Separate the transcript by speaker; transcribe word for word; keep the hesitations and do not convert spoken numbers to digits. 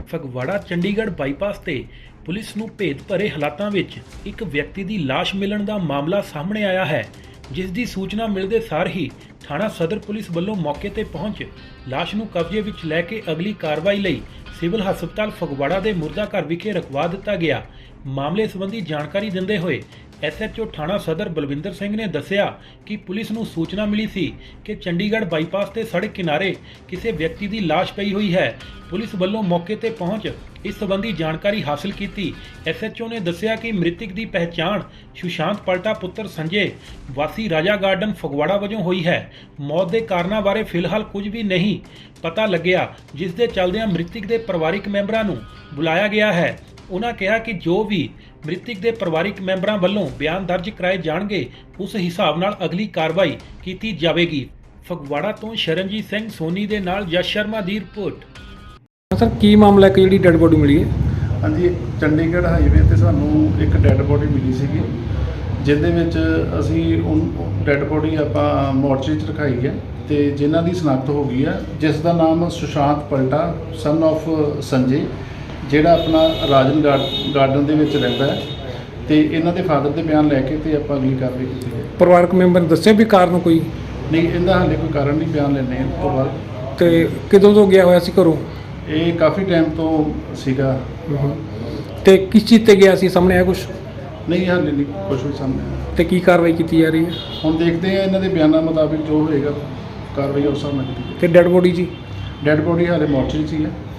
Speaker 1: Phagwara Chandigarh bypass ਤੇ police ਨੂੰ ਭੇਦ ਭਰੇ ਹਾਲਾਤਾਂ ਵਿੱਚ ਇੱਕ ਵਿਅਕਤੀ ਦੀ ਲਾਸ਼ ਮਿਲਣ ਦਾ ਮਾਮਲਾ ਸਾਹਮਣੇ ਆਇਆ ਹੈ, ਜਿਸ ਦੀ ਸੂਚਨਾ ਮਿਲਦੇ ਸਾਰ ਹੀ ਥਾਣਾ ਸਦਰ ਪੁਲਿਸ ਵੱਲੋਂ ਮੌਕੇ ਤੇ ਪਹੁੰਚ ਲਾਸ਼ ਨੂੰ ਕਬਜ਼ੇ ਵਿੱਚ ਲੈ ਕੇ ਅਗਲੀ ਕਾਰਵਾਈ ਲਈ ਸਿਵਲ ਹਸਪਤਾਲ ਫਗਵਾੜਾ ਦੇ ਮੁਰਦਾ ਘਰ ਵਿਖੇ ਰਖਵਾ ਦਿੱਤਾ ਗਿਆ। ਮਾਮਲੇ ਸੰਬੰਧੀ ਜਾਣਕਾਰੀ ਦਿੰਦੇ ਹੋਏ ਐਸ ਐਚ ਓ ਥਾਣਾ ਸਦਰ ਬਲਵਿੰਦਰ ਸਿੰਘ ਨੇ ਦੱਸਿਆ ਕਿ ਪੁਲਿਸ ਨੂੰ ਸੂਚਨਾ ਮਿਲੀ ਸੀ ਕਿ ਚੰਡੀਗੜ੍ਹ ਬਾਈਪਾਸ ਤੇ ਸੜਕ ਕਿਨਾਰੇ ਕਿਸੇ ਵਿਅਕਤੀ ਦੀ ਲਾਸ਼ ਪਈ ਹੋਈ ਹੈ। ਪੁਲਿਸ ਵੱਲੋਂ ਮੌਕੇ ਤੇ ਪਹੁੰਚ ਇਸ ਸੰਬੰਧੀ ਜਾਣਕਾਰੀ ਹਾਸਲ ਕੀਤੀ। ਐਸ ਐਚ ਓ ਨੇ ਦੱਸਿਆ ਕਿ ਮ੍ਰਿਤਕ ਦੀ ਪਹਿਚਾਣ ਸੁਸ਼ਾਂਤ ਪਲਟਾ ਪੁੱਤਰ ਸੰਜੇ ਵਾਸੀ ਰਾਜਾ ਗਾਰਡਨ ਫਗਵਾੜਾ ਵਜੋਂ ਹੋਈ ਹੈ। ਮੌਤ ਦੇ ਕਾਰਨਾਂ ਬਾਰੇ ਫਿਲਹਾਲ ਕੁਝ ਵੀ ਨਹੀਂ ਪਤਾ ਲੱਗਿਆ, ਜਿਸ ਦੇ ਚੱਲਦਿਆਂ ਮ੍ਰਿਤਕ ਦੇ ਪਰਿਵਾਰਕ ਮੈਂਬਰਾਂ ਨੂੰ ਬੁਲਾਇਆ ਗਿਆ ਹੈ। ਉਹਨਾਂ ਕਿਹਾ ਕਿ ਜੋ ਵੀ ਮ੍ਰਿਤਕ ਦੇ ਪਰਿਵਾਰਕ ਮੈਂਬਰਾਂ ਵੱਲੋਂ ਬਿਆਨ ਦਰਜ ਕਰਾਏ ਜਾਣਗੇ, ਉਸ ਹਿਸਾਬ ਨਾਲ ਅਗਲੀ ਕਾਰਵਾਈ ਕੀਤੀ ਜਾਵੇਗੀ। ਫਗਵਾੜਾ ਤੋਂ ਸ਼ਰਨਜੀਤ ਸਿੰਘ ਸੋਨੀ ਦੇ ਨਾਲ ਯਸ਼ ਸ਼ਰਮਾ ਦੀ ਰਿਪੋਰਟ।
Speaker 2: ਸਰ, ਕੀ ਮਾਮਲਾ ਹੈ ਕਿ ਜਿਹੜੀ ਡੈੱਡ ਬੋਡੀ ਮਿਲੀ ਹੈ?
Speaker 3: ਹਾਂਜੀ, ਚੰਡੀਗੜ੍ਹ ਹਾਈਵੇ ਤੇ ਸਾਨੂੰ ਇੱਕ ਡੈੱਡ ਬੋਡੀ ਮਿਲੀ ਸੀਗੀ, ਜਿਹਦੇ ਵਿੱਚ ਅਸੀਂ ਉਹ ਡੈੱਡ ਬੋਡੀ ਆਪਾਂ ਮੋਰਚਰੀ 'ਚ ਰਖਾਈ ਹੈ ਤੇ ਜਿਨ੍ਹਾਂ ਦੀ ਸ਼ਨਾਖਤ ਹੋ ਗਈ ਹੈ, ਜਿਸ ਦਾ ਨਾਮ ਸੁਸ਼ਾਂਤ ਪਲਟਾ ਸਨ ਆਫ ਸੰਜੇ, ਜਿਹੜਾ ਆਪਣਾ ਰਾਜਨ ਗਾਰਡਨ ਦੇ ਵਿੱਚ ਰਹਿੰਦਾ ਹੈ, ਤੇ ਇਹਨਾਂ ਦੇ ਫਾਦਰ ਦੇ ਬਿਆਨ ਲੈ ਕੇ ਤੇ ਆਪਾਂ ਅਗਲੀ ਕਾਰਵਾਈ ਕੀਤੀ ਹੈ।
Speaker 2: ਪਰਿਵਾਰਕ ਮੈਂਬਰ ਨੇ ਦੱਸਿਆ ਵੀ ਕਾਰਨ ਕੋਈ
Speaker 3: ਨਹੀਂ, ਇਹਦਾ ਹਾਲੇ ਕੋਈ ਕਾਰਨ ਨਹੀਂ, ਬਿਆਨ ਲੈਣੇ ਉਸ ਤੋਂ ਬਾਅਦ।
Speaker 2: ਤੇ ਕਦੋਂ ਤੋਂ ਗਿਆ ਹੋਇਆ ਸੀ ਘਰੋਂ?
Speaker 3: ਇਹ ਕਾਫੀ ਟਾਈਮ ਤੋਂ ਸੀਗਾ।
Speaker 2: ਤੇ ਕਿਸ ਚੀਜ਼ ਤੇ ਗਿਆ ਸੀ, ਸਾਹਮਣੇ ਆਇਆ ਕੁਝ?
Speaker 3: ਨਹੀਂ, ਹਾਲੇ ਨਹੀਂ ਕੁਛ ਵੀ ਸਾਹਮਣੇ ਆਇਆ।
Speaker 2: ਤੇ ਕੀ ਕਾਰਵਾਈ ਕੀਤੀ ਜਾ ਰਹੀ ਹੈ?
Speaker 3: ਹੁਣ ਦੇਖਦੇ ਆ ਇਹਨਾਂ ਦੇ ਬਿਆਨਾਂ ਮੁਤਾਬਿਕ ਜੋ ਹੋਏਗਾ ਕਾਰਵਾਈ ਉਸ ਹਿਸਾਬ ਨਾਲ ਕੀਤੀ।
Speaker 2: ਤੇ ਡੈੱਡ ਬੋਡੀ ਜੀ?
Speaker 3: ਡੈੱਡ ਬੋਡੀ ਹਾਲੇ ਮੋਰਚਰੀ 'ਚ ਹੀ ਹੈ।